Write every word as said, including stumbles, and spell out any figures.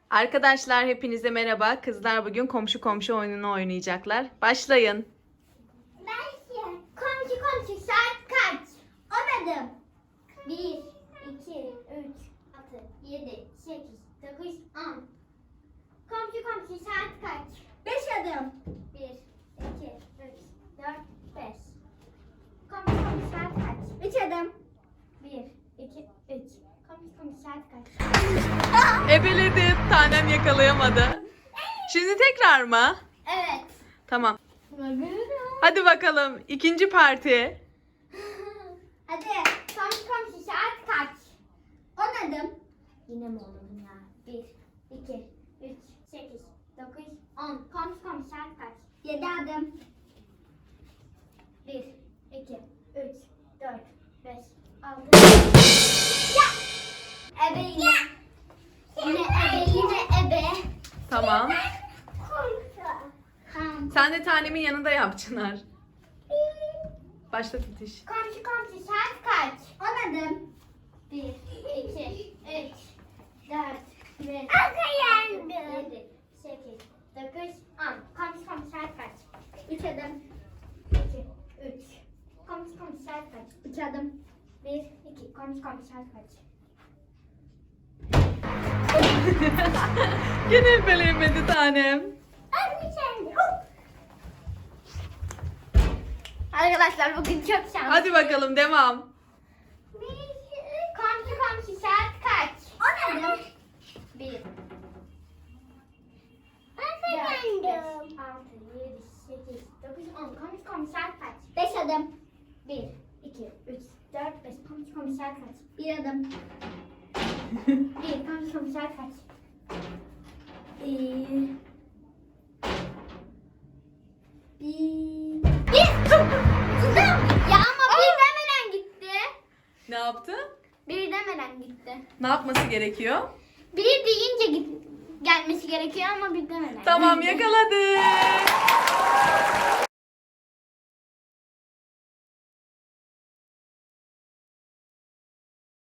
Arkadaşlar hepinize merhaba. Kızlar bugün komşu komşu oyununu oynayacaklar. Başlayın. Ben komşu komşu saat kaç? Anladım. Bir, iki, üç, altı, yedi, sekiz, dokuz, on. Komşu komşu saat kaç? Beş adım. Bir, iki, üç, dört, beş. Komşu komşu saat kaç? Üç adım. Bir, iki, üç. Komşu komşu saat kaç? Ebeledi. Tanem yakalayamadı. Şimdi tekrar mı? Evet. Tamam. Hadi bakalım. İkinci parti. Hadi komşu komşu saat kaç? On adım. Yine mi olmadım ya? Bir, iki, üç, sekiz, dokuz, on. Komşu komşu saat kaç? Yedi adım. Bir, iki, üç, dört, beş, altı. Ya! Ebe yine. Yine ebe, yine ebe. Tamam. Komşu. Tamam. Sen de tanemin yanında yap Çınar. Başla Titiş. Komşu komşu saat kaç? On adım. Bir, iki, üç, dört, beş, altı, yedi, sekiz, dokuz, on. Komşu komşu saat kaç? Üç adım. İki, üç. Komşu komşu saat kaç? Üç adım. Bir, iki. Komşu komşu saat kaç? Yine ebeleyemedi tanem. Arkadaşlar bugün çok şanslı. Hadi bakalım devam. Komşu komşu saat kaç? On adım. Bir. Dört, beş, altı, yedi, sekiz, dokuz, on. Komşu komşu saat kaç? Beş adım. Bir, iki, üç, dört, beş. Komşu komşu saat kaç? Bir adım. Bir. Komşu komşu saat kaç? Bir. Bir. Bir. Ya ama bir demeden gitti. Ne yaptı? Bir demeden gitti. Ne yapması gerekiyor? Bir deyince git gelmesi gerekiyor ama bir demeden. Tamam gitti. yakaladı.